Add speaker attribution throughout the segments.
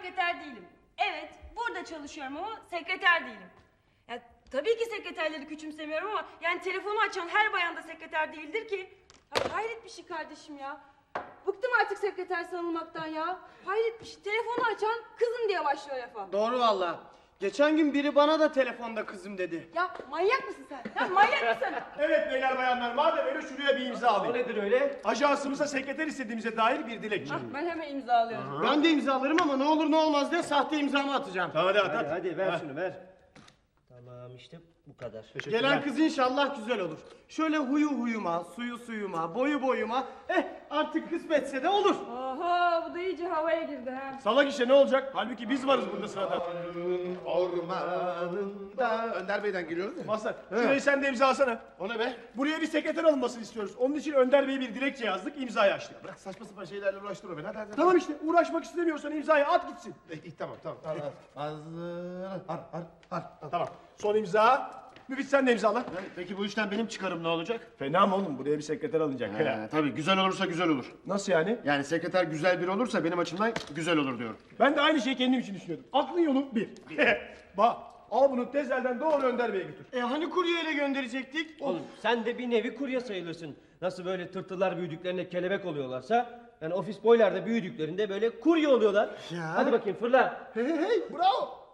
Speaker 1: sekreter değilim. Evet, burada çalışıyorum ama sekreter değilim. Ya, tabii ki sekreterleri küçümsemiyorum ama yani telefonu açan her bayan da sekreter değildir ki. Ya, hayret bir şey kardeşim ya. Bıktım artık sekreter sanılmaktan ya. Hayret bir şey. Telefonu açan kızım diye başlıyor lafa.
Speaker 2: Doğru valla. Geçen gün biri bana da telefonda kızım dedi.
Speaker 1: Ya manyak mısın sen? Ya manyak mısın?
Speaker 3: Evet beyler bayanlar, madem öyle şuraya bir imza
Speaker 4: O
Speaker 3: alayım.
Speaker 4: nedir öyle?
Speaker 3: Ajansımıza sekreter istediğimize dair bir dilekçe.
Speaker 1: Ben hemen imzalıyorum.
Speaker 2: Ben de imzalarım ama ne olur ne olmaz diye sahte imzamı atacağım.
Speaker 3: Hadi at,
Speaker 4: Hadi
Speaker 3: at.
Speaker 4: hadi ver şunu ver. Tamam işte bu kadar.
Speaker 2: Gelen kız inşallah güzel olur. Şöyle huyu huyuma, suyu suyuma, boyu boyuma. Artık kısmetse de olur.
Speaker 1: Oho, bu da iyice havaya girdi ha.
Speaker 3: Salak işe ne olacak? Halbuki biz varız burada sırada.
Speaker 5: Ormanında Önder Bey'den geliyoruz ya.
Speaker 3: Mazhar, şurayı sen de imzalasana.
Speaker 5: O ne be?
Speaker 3: Buraya bir sekreter alınmasını istiyoruz. Onun için Önder Bey'e bir dilekçe yazdık, imzayı açtık.
Speaker 5: Bırak saçma sapan şeylerle uğraştırma beni. Hadi.
Speaker 3: Tamam işte, uğraşmak istemiyorsan imzayı at gitsin.
Speaker 5: Tamam. Hazır.
Speaker 3: Tamam, son imza. Müfit sen de imzala.
Speaker 5: Peki bu işten benim çıkarım ne olacak?
Speaker 3: Fena mı oğlum? Buraya bir sekreter alınacak.
Speaker 5: Tabii güzel olursa güzel olur.
Speaker 3: Nasıl yani?
Speaker 5: Yani sekreter güzel biri olursa benim açımdan güzel olur diyorum.
Speaker 3: Ben de aynı şeyi kendim için düşünüyordum. Aklın yolu bir. Bak, al bunu tezelden doğru Önder Bey'e götür.
Speaker 2: Hani kuryeyle gönderecektik?
Speaker 4: Oğlum sen de bir nevi kurye sayılırsın. Nasıl böyle tırtıllar büyüdüklerinde kelebek oluyorlarsa... Yani ofis boylar da büyüdüklerinde böyle kurye oluyorlar.
Speaker 5: Ya.
Speaker 4: Hadi bakayım fırla.
Speaker 5: Hey, bravo.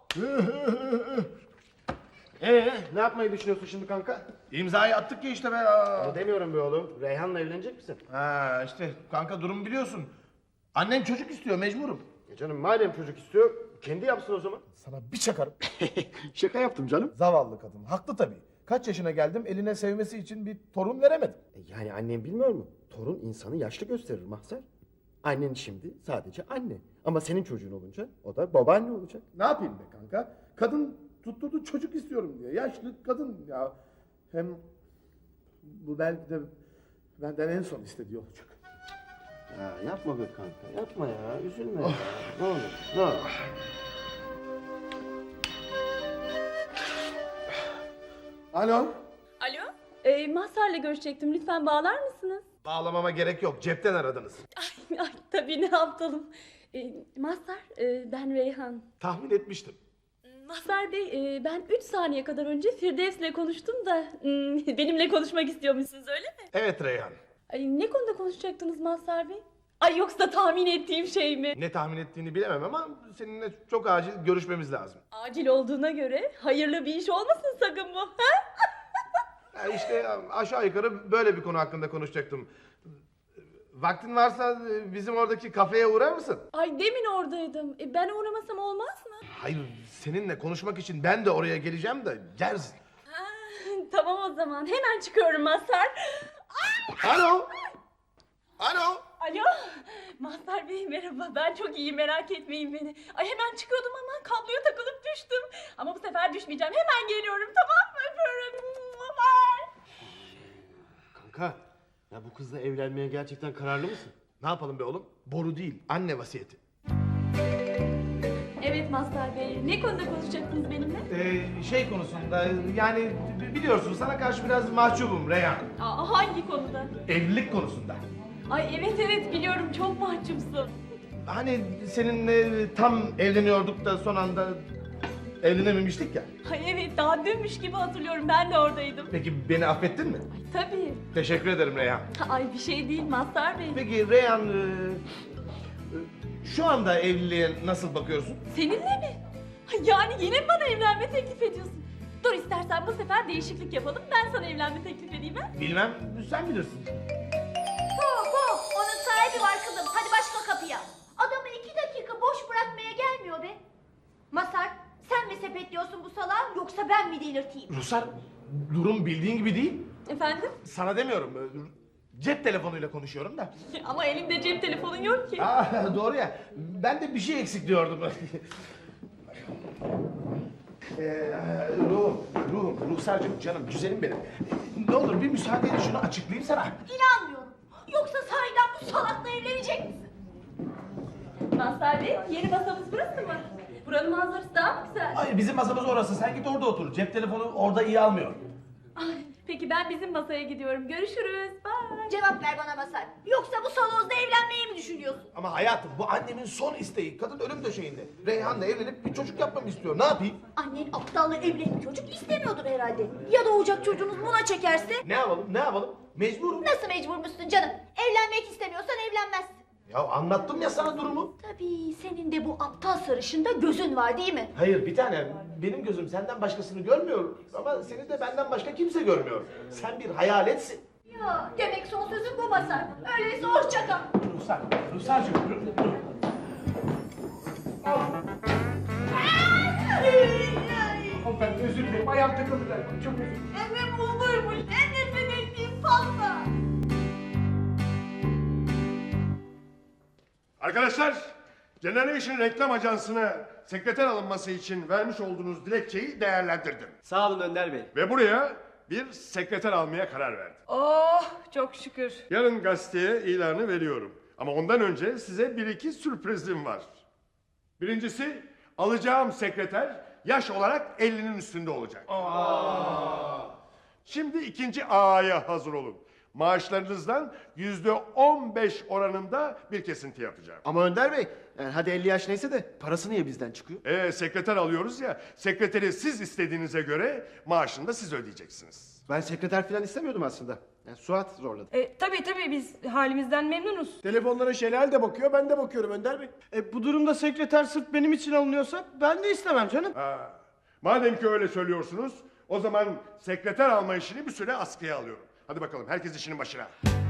Speaker 5: Ne yapmayı düşünüyorsun şimdi kanka? İmzayı attık ya işte be.
Speaker 6: Onu demiyorum be oğlum. Reyhan'la evlenecek misin?
Speaker 5: Ha işte kanka durum biliyorsun. Annem çocuk istiyor mecburum.
Speaker 6: Canım madem çocuk istiyor, kendi yapsın o zaman.
Speaker 7: Sana bir çakarım.
Speaker 5: Şaka yaptım canım.
Speaker 7: Zavallı kadın. Haklı tabii. Kaç yaşına geldim eline sevmesi için bir torun veremedim.
Speaker 6: Yani annem bilmiyor mu? Torun insanı yaşlı gösterir Mahzer. Annen şimdi sadece anne. Ama senin çocuğun olunca o da babaanne olacak.
Speaker 7: Ne yapayım be kanka? Kadın tutturdu çocuk istiyorum diye. Yaşlı kadın ya. Hem bu belki de benden en son istediği olacak.
Speaker 6: Ya yapma be kanka, yapma ya. Üzülme ya. Ne olur, ne olur.
Speaker 5: Alo.
Speaker 8: Alo? Mazhar'la görüşecektim. Lütfen bağlar mısınız?
Speaker 5: Bağlamama gerek yok. Cepten aradınız.
Speaker 8: Ay tabii ne yapalım. Mazhar, ben Reyhan.
Speaker 5: Tahmin etmiştim.
Speaker 8: Mazhar Bey, ben 3 saniye kadar önce Firdevs'le konuştum da benimle konuşmak istiyormuşsunuz öyle mi?
Speaker 5: Evet Reyhan.
Speaker 8: Ay, ne konuda konuşacaktınız Mazhar Bey? Ay yoksa tahmin ettiğim şey mi?
Speaker 5: Ne tahmin ettiğini bilemem ama seninle çok acil görüşmemiz lazım.
Speaker 8: Acil olduğuna göre hayırlı bir iş olmasın sakın bu. Ha?
Speaker 5: Ya işte aşağı yukarı böyle bir konu hakkında konuşacaktım. Vaktin varsa bizim oradaki kafeye uğrar mısın?
Speaker 8: Ay demin oradaydım. Ben uğramasam olmaz mı?
Speaker 5: Hayır, seninle konuşmak için ben de oraya geleceğim de gelsin.
Speaker 8: Ha, tamam o zaman. Hemen çıkıyorum Mazhar.
Speaker 5: Alo? Alo?
Speaker 8: Alo, Mazhar Bey merhaba. Ben çok iyiyim, merak etmeyin beni. Ay hemen çıkıyordum ama kabloya takılıp düştüm. Ama bu sefer düşmeyeceğim. Hemen geliyorum, tamam mı? Öpüyorum. Bye.
Speaker 6: Kanka, ya bu kızla evlenmeye gerçekten kararlı mısın?
Speaker 5: Ne yapalım be oğlum? Boru değil, anne vasiyeti.
Speaker 8: Evet Mazhar Bey, ne konuda konuşacaktınız benimle?
Speaker 5: Şey konusunda yani biliyorsun sana karşı biraz mahcubum Reyhan.
Speaker 8: Hangi konuda?
Speaker 5: Evlilik konusunda.
Speaker 8: Ay evet biliyorum, çok mahcupsun.
Speaker 5: Hani seninle tam evleniyorduk da son anda evlenememiştik ya.
Speaker 8: Ay evet, daha dünmüş gibi hatırlıyorum, ben de oradaydım.
Speaker 5: Peki beni affettin mi?
Speaker 8: Ay tabii.
Speaker 5: Teşekkür ederim Reyhan.
Speaker 8: Ay bir şey değil Mazhar Bey.
Speaker 5: Peki Reyhan şu anda evliliğe nasıl bakıyorsun?
Speaker 8: Seninle mi? Ay, yani yine mi bana evlenme teklif ediyorsun? Dur istersen bu sefer değişiklik yapalım, ben sana evlenme teklif edeyim ha?
Speaker 5: Bilmem, sen bilirsin.
Speaker 9: Hop, onun sahibi var kızım. Hadi başka kapıya. Adamı 2 dakika boş bırakmaya gelmiyor be. Masar, sen mi sepetliyorsun bu salağı yoksa ben mi delirteyim?
Speaker 5: Rusar, durum bildiğin gibi değil.
Speaker 8: Efendim?
Speaker 5: Sana demiyorum, cep telefonuyla konuşuyorum da.
Speaker 8: Ama elimde cep telefonun yok ki.
Speaker 5: Doğru ya, ben de bir şey eksik diyordum. Ruhsarcığım, canım, güzelim benim. Ne olur bir müsaadeyle şunu açıklayayım sana.
Speaker 9: İnanmıyorum. Yoksa sahiden bu salakla evlenecek misin?
Speaker 8: Mazhar Bey, yeni masamız burası mı? Buranın manzarası daha mı güzel?
Speaker 3: Hayır, bizim masamız orası. Sen git orada otur. Cep telefonu orada iyi almıyor.
Speaker 8: Ay, Peki ben bizim masaya gidiyorum. Görüşürüz. Bye.
Speaker 9: Cevap ver bana Masar. Yoksa bu salonda evlenmeyi mi düşünüyorsun?
Speaker 5: Ama hayatım bu annemin son isteği. Kadın ölüm döşeğinde. Reyhan'la evlenip bir çocuk yapmamı istiyor. Ne yapayım?
Speaker 9: Annen aptalla evlenip çocuk istemiyordur herhalde. Ya doğacak çocuğunuz buna çekerse?
Speaker 5: Ne yapalım? Ne yapalım? Mecburum.
Speaker 9: Nasıl mecburmuşsun canım? Evlenmek istemiyorsan evlenmezsin.
Speaker 5: Ya anlattım ya sana durumu.
Speaker 9: Tabii senin de bu aptal sarışında gözün var değil mi?
Speaker 5: Hayır bir tane. Benim gözüm senden başkasını görmüyor. Ama seni de benden başka kimse görmüyor. Sen bir hayaletsin.
Speaker 9: Ya demek son sözün bu Masar. Öyleyse hoşça kal.
Speaker 3: Ruhsarcığım. Hanımefendi özür dilerim. Ayağım takıldı galiba. Çok özür dilerim.
Speaker 9: Emim olurmuş. En nefret ettiğim pasta.
Speaker 3: Arkadaşlar, Generation Reklam Ajansı'na sekreter alınması için vermiş olduğunuz dilekçeyi değerlendirdim.
Speaker 4: Sağ olun Önder Bey.
Speaker 3: Ve buraya bir sekreter almaya karar verdim.
Speaker 1: Oh çok şükür.
Speaker 3: Yarın gazeteye ilanı veriyorum. Ama ondan önce size bir iki sürprizim var. Birincisi, alacağım sekreter yaş olarak 50'nin üstünde olacak. Şimdi ikinci A'ya hazır olun. Maaşlarınızdan %15 oranında bir kesinti yapacağım.
Speaker 6: Ama Önder Bey, yani hadi 50 yaş neyse de parası niye bizden çıkıyor?
Speaker 3: Sekreter alıyoruz ya, sekreteri siz istediğinize göre maaşını da siz ödeyeceksiniz.
Speaker 6: Ben sekreter falan istemiyordum aslında. Yani Suat zorladı.
Speaker 1: Tabii biz halimizden memnunuz.
Speaker 3: Telefonlara Şelal de bakıyor, ben de bakıyorum Önder Bey.
Speaker 2: Bu durumda sekreter sırf benim için alınıyorsa ben de istemem canım.
Speaker 3: Madem ki öyle söylüyorsunuz, o zaman sekreter alma işini bir süre askıya alıyorum. Hadi bakalım, herkes işinin başına.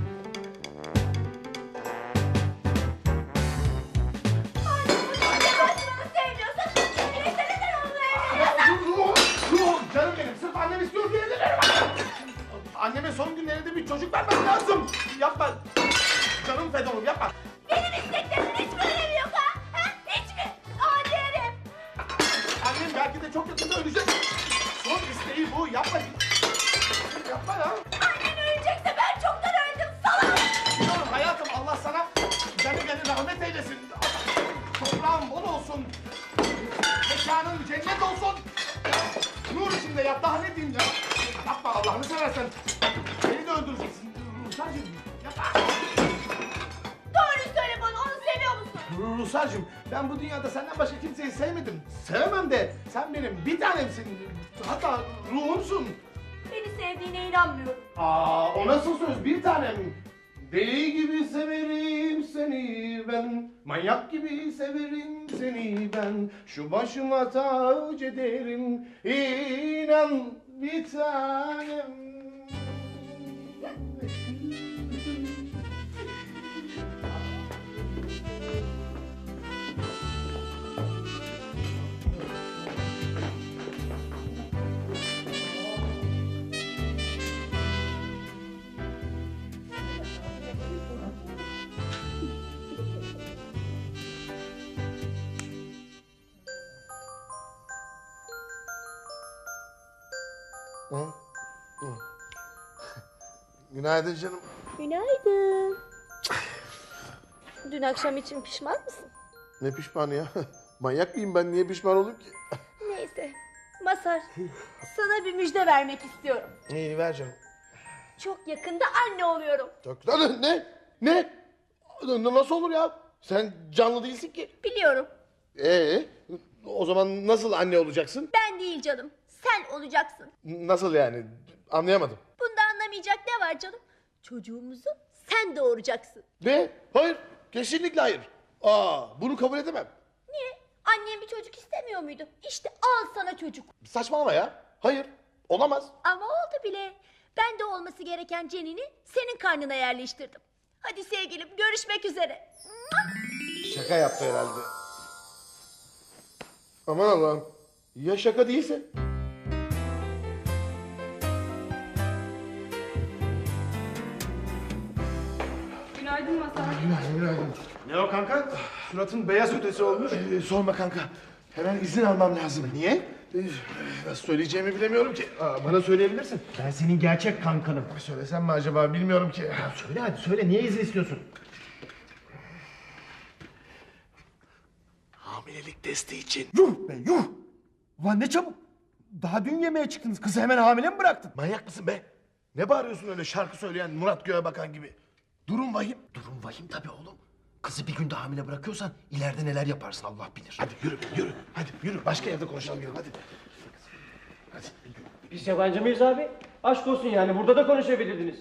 Speaker 5: Canım benim sırf annem istiyor diye evlenirim. Anneme son günlerinde bir çocuk vermem lazım. Yapma. Canım Fedon'um yapma.
Speaker 9: Benim isteklerimin hiç mi önemi yok ha? Hiç mi? Adi herif.
Speaker 5: Annem belki de çok yakında ölecek. Son isteği bu. Yapma. Yapma ya.
Speaker 9: Annen ölecekse ben çoktan öldüm salak.
Speaker 5: Biliyorum hayatım, Allah sana gani rahmet eylesin. Toprağın bol olsun. Mekanın cennet olsun. Nur içinde yat, daha ne diyeyim ya. Yapma Allah'ını seversen. Beni de öldüreceksin. Ruhsarcığım yapma.
Speaker 9: Doğru söyle bana onu seviyor musun?
Speaker 5: Ruhsarcığım, ben bu dünyada senden başka kimseyi sevmedim. Sevemem de sen benim bir tanemsin. Hatta ruhumsun.
Speaker 9: Beni sevdiğine inanmıyorum.
Speaker 5: O nasıl söz, bir tanem? Deli gibi severim seni ben, manyak gibi severim seni ben. Şu başıma tac ederim, inan bir tanem. Günaydın canım.
Speaker 9: Günaydın. Dün akşam için pişman mısın?
Speaker 5: Ne pişmanı ya? Manyak mıyım ben? Niye pişman olayım ki?
Speaker 9: Neyse. Masar, sana bir müjde vermek istiyorum.
Speaker 5: İyi ver canım.
Speaker 9: Çok yakında anne oluyorum.
Speaker 5: Çok güzel. Ne? Ne? Nasıl olur ya? Sen canlı değilsin ki.
Speaker 9: Biliyorum.
Speaker 5: O zaman nasıl anne olacaksın?
Speaker 9: Ben değil canım. Sen olacaksın.
Speaker 5: Nasıl yani? Anlayamadım.
Speaker 9: Bunda anlamayacak ne var canım? Çocuğumuzu sen doğuracaksın.
Speaker 5: Ne? Hayır. Kesinlikle hayır. Bunu kabul edemem.
Speaker 9: Niye? Annem bir çocuk istemiyor muydu? İşte al sana çocuk.
Speaker 5: Saçmalama ya. Hayır. Olamaz.
Speaker 9: Ama oldu bile. Ben de olması gereken Cenini senin karnına yerleştirdim. Hadi sevgilim görüşmek üzere.
Speaker 5: Şaka yaptı herhalde. Aman Allah'ım. Ya şaka değilse?
Speaker 1: Günaydın Masar.
Speaker 5: Günaydın.
Speaker 3: Ne o kanka? Suratın beyaz ötesi olmuş.
Speaker 5: Sorma kanka. Hemen izin almam lazım.
Speaker 3: Niye?
Speaker 5: Nasıl söyleyeceğimi bilemiyorum ki. Bana söyleyebilirsin.
Speaker 3: Ben senin gerçek kankanım.
Speaker 5: Söylesem mi acaba bilmiyorum ki.
Speaker 3: Söyle hadi söyle, niye izin istiyorsun?
Speaker 5: Hamilelik testi için.
Speaker 3: Yuh be yuh! Ulan ne çabuk! Daha dün yemeğe çıktınız, kızı hemen hamile mi bıraktın?
Speaker 5: Manyak mısın be? Ne bağırıyorsun öyle şarkı söyleyen Murat Göğe Bakan gibi? Durum vahim.
Speaker 6: Durum vahim tabii oğlum. Kızı bir günde hamile bırakıyorsan ileride neler yaparsın Allah bilir.
Speaker 5: Hadi yürü, yürü. Hadi yürü. Başka yerde konuşalım yürü. Hadi. Hadi.
Speaker 4: Biz yabancı mıyız abi? Aşk olsun yani burada da konuşabilirdiniz.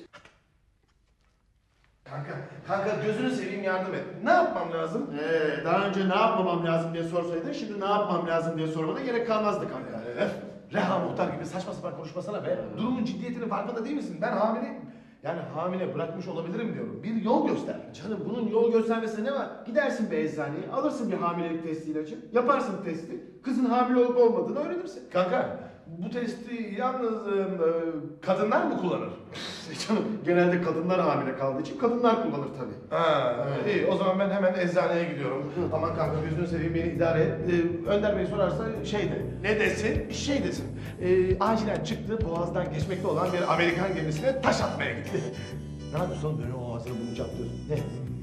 Speaker 5: Kanka gözünü seveyim yardım et. Ne yapmam lazım?
Speaker 7: Daha önce ne yapmamam lazım diye sorsaydın, şimdi ne yapmam lazım diye sormana gerek kalmazdı kanka.
Speaker 5: Reha Muhtar gibi saçma sapan konuşmasana be. Durumun ciddiyetinin farkında değil misin? Ben hamileyim. Yani hamile bırakmış olabilirim diyorum. Bir yol göster.
Speaker 7: Canım bunun yol göstermesine ne var? Gidersin bir eczaneye, alırsın bir hamilelik testi ilacı, yaparsın testi, kızın hamile olup olmadığını öğrenirsin.
Speaker 5: Kanka bu testi yalnız kadınlar mı kullanır?
Speaker 7: Canım genelde kadınlar hamile kaldığı için kadınlar kullanır tabii.
Speaker 5: Ha, iyi o zaman ben hemen eczaneye gidiyorum. Aman kanka gözünü seveyim beni idare et. Önder Bey sorarsa şey de.
Speaker 3: Ne desin?
Speaker 5: Şey desin. Acilen çıktı boğazdan geçmekte olan bir Amerikan gemisine taş atmaya gitti. Ne yapıyorsun oğlum böyle o ağzını bunu çatlıyorsun? Ne?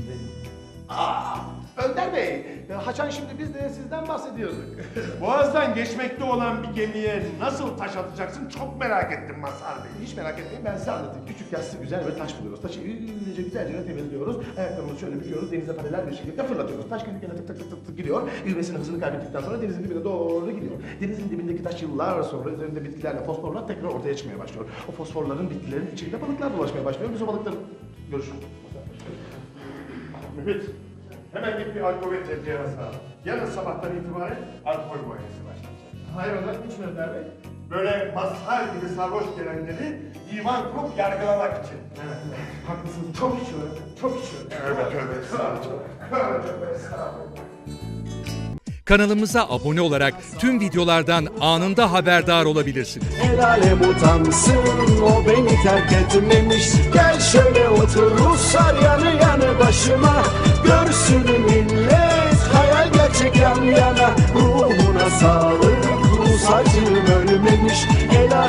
Speaker 5: Önder Bey, Haçan şimdi biz de sizden bahsediyorduk.
Speaker 3: Boğaz'dan geçmekte olan bir gemiye nasıl taş atacaksın çok merak ettim Mazhar Bey.
Speaker 5: Hiç merak etmeyin ben size anlatayım. Küçük yassı güzel bir taş buluyoruz. Taşı güzelce temizliyoruz. Ayaklarımızı şöyle büküyoruz. Denize paralel bir şekilde fırlatıyoruz. Taş kendi kendine tık tık tık tık gidiyor. İvmesini hızını kaybettikten sonra denizin dibine doğru gidiyor. Denizin dibindeki taş yıllar sonra üzerinde bitkilerle fosforlar tekrar ortaya çıkmaya başlıyor. O fosforların bitkilerin içinde balıklar dolaşmaya başlıyor. Biz o balıkları görüşürüz.
Speaker 3: Müfit, hemen git bir alkol ve tezgahına al. Yarın sabahtan itibaren alkol muayenesi başlayacak.
Speaker 5: Hayrola hiç mi Önder Bey?
Speaker 3: Böyle Mazhar gibi sarhoş gelenleri divan kurup yargılamak için.
Speaker 5: Haklısınız. Çok içiyorum. Çok içiyorum.
Speaker 3: Tövbe tövbe estağfurullah. Tövbe estağfurullah.
Speaker 10: Kanalımıza abone olarak tüm videolardan anında haberdar olabilirsiniz.
Speaker 11: El alem utansın, o beni terk etmemiş. Gel şöyle otur Ruslar yanı yanı başıma. Görsün millet hayal gerçek yan yana. Ruhuna sağlık, Rus acım ölmemiş. El alem